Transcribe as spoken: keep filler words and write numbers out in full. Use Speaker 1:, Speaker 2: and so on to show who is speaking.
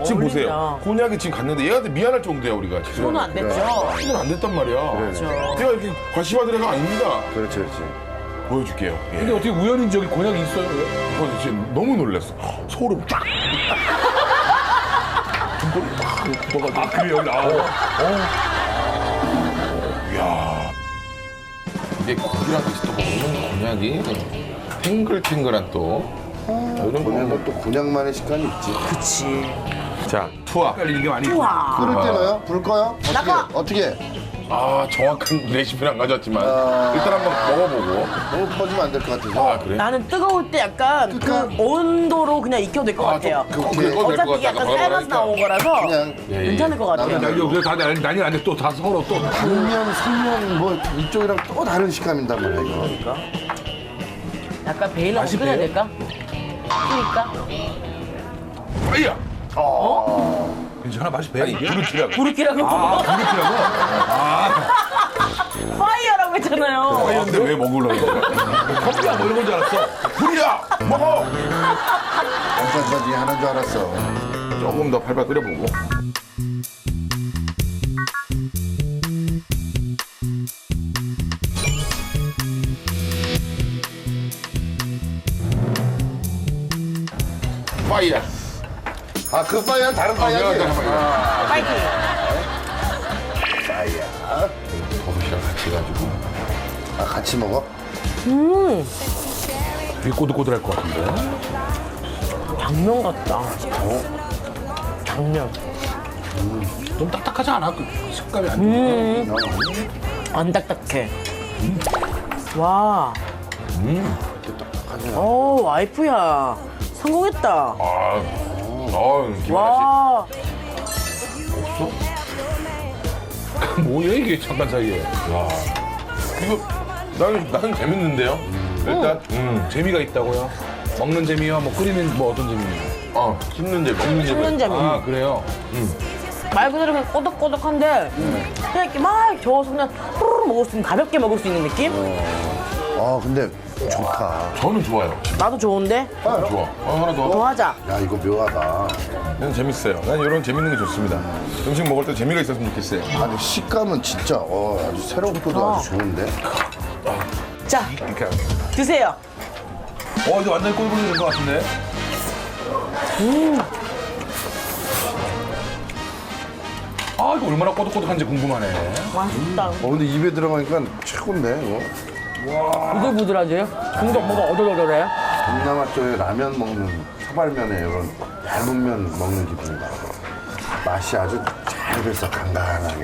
Speaker 1: 지금
Speaker 2: 어울린다.
Speaker 1: 보세요. 곤약이 지금 갔는데 얘한테 미안할 정도야 우리가 지금.
Speaker 2: 손은 안 됐죠?
Speaker 1: 손은 안 됐단 말이야.
Speaker 2: 그렇죠.
Speaker 1: 내가 이렇게 과시받으려가 아닙니다.
Speaker 3: 그렇지, 그렇지.
Speaker 1: 보여줄게요. 예.
Speaker 4: 근데 어떻게 우연히 저기 곤약이 있어요? 왜?
Speaker 1: 이거 지금 너무 놀랐어. 소름 쫙. 등골이 막 묻어가지고.
Speaker 4: 아, 그래요? 아,
Speaker 1: 이야. 이게 고기랑 같이 또 먹는 곤약이 탱글탱글한 또 이런
Speaker 3: 곤약은 또 곤약만의 식감이 있지.
Speaker 2: 그치.
Speaker 1: 자, 투하.
Speaker 4: 헷갈리는 게 많이
Speaker 2: 우와.
Speaker 3: 끓을 때 넣어요? 불 꺼요? 어떻게?
Speaker 2: 나가!
Speaker 3: 어떻게?
Speaker 1: 아, 정확한 레시피는 안 가져왔지만
Speaker 3: 아.
Speaker 1: 일단 한번 먹어보고.
Speaker 3: 너무 퍼지면 안 될 것 같아서.
Speaker 1: 아, 그래?
Speaker 2: 나는 뜨거울 때 약간
Speaker 3: 그러니까-
Speaker 2: 그 온도로 그냥 익혀도 될 것
Speaker 1: 아,
Speaker 2: 같아요.
Speaker 1: 좀 그거 그거 될것
Speaker 2: 어차피
Speaker 1: 같아.
Speaker 2: 약간
Speaker 1: 아까
Speaker 2: 삶아서 나온 거라서
Speaker 3: 그냥
Speaker 1: 예, 예.
Speaker 2: 괜찮을 것 같아요.
Speaker 3: 나는-
Speaker 4: 야, 이거 그래서 다 난리, 난리 났는데 또 다 서로 또.
Speaker 3: 당면, 생면 뭐 이쪽이랑 또 다른 식감인단 말이야, 이거.
Speaker 2: 그러니까. 약간 베일하고
Speaker 4: 맛이
Speaker 2: 끓여야
Speaker 4: 배요?
Speaker 2: 될까? 끓일까?
Speaker 1: 아이야.
Speaker 4: 괜찮아, 맛이 배.
Speaker 1: 아니,
Speaker 4: 이게?
Speaker 1: 부르키라고.
Speaker 2: 부르키라고?
Speaker 4: 아, 부르키라고?
Speaker 2: 파이어라고 했잖아요.
Speaker 1: 아, 근데 왜 먹으려고 그래?
Speaker 4: 커피야, 뭐 이런 건 줄 알았어.
Speaker 1: 불이야! 먹어!
Speaker 3: 감사까지 하는 줄 알았어.
Speaker 1: 조금 더 팔팔 끓여보고. 파이야.
Speaker 3: 아, 그 파이어는 다른 파이어지?
Speaker 1: 아,
Speaker 2: 파이팅.
Speaker 3: 파이어.
Speaker 1: 버섯이랑 같이 해가지고.
Speaker 3: 아, 같이 먹어?
Speaker 4: 되게 꼬들꼬들할 것 같은데.
Speaker 2: 당면 같다. 당면.
Speaker 4: 좀 딱딱하지 않아? 그 식감이 안 좋아.
Speaker 2: 안 딱딱해. 와. 오, 와이프야. 성공했다.
Speaker 1: 아, 어, 김하나
Speaker 2: 와.
Speaker 4: 뭐야, 이게 잠깐 사이에.
Speaker 1: 씨. 이거, 나는, 나는 재밌는데요? 일단, 음,
Speaker 4: 재미가 있다고요? 먹는 재미와 뭐 끓이는 뭐 어떤 재미예요?
Speaker 1: 어, 씹는 재미, 먹는 재미.
Speaker 2: 씹는 재미.
Speaker 4: 아, 그래요?
Speaker 2: 말 그대로 그냥 꼬덕꼬덕한데 그냥 이렇게 막 저어서 그냥 후루룩 먹을 수 있는 가볍게 먹을 수 있는 느낌?
Speaker 3: 아, 근데 좋다.
Speaker 1: 저는 좋아요.
Speaker 2: 나도 좋은데?
Speaker 1: 좋아. 어, 하나 더.
Speaker 2: 더 하자.
Speaker 3: 야, 이거 묘하다.
Speaker 1: 이건 재밌어요. 난 이런 재밌는 게 좋습니다. 음식 먹을 때 재미가 있었으면 좋겠어요.
Speaker 3: 아니, 식감은 진짜 어, 아주 새롭고도 아주 좋은데?
Speaker 2: 자,
Speaker 4: 이렇게.
Speaker 2: 드세요.
Speaker 4: 어, 이제 완전히 꼴불이 된 것 같은데? 아, 이거 얼마나 꼬득꼬득한지 궁금하네.
Speaker 2: 맛있다.
Speaker 3: 어, 근데 입에 들어가니까 최고인데, 이거?
Speaker 2: 부들부들하지? 근데 뭐가 어덜어덜해?
Speaker 3: 동남아 쪽에 라면 먹는 사발면에 이런 얇은 면 먹는 기분이다. 맛이 아주 잘 돼서 간간하게.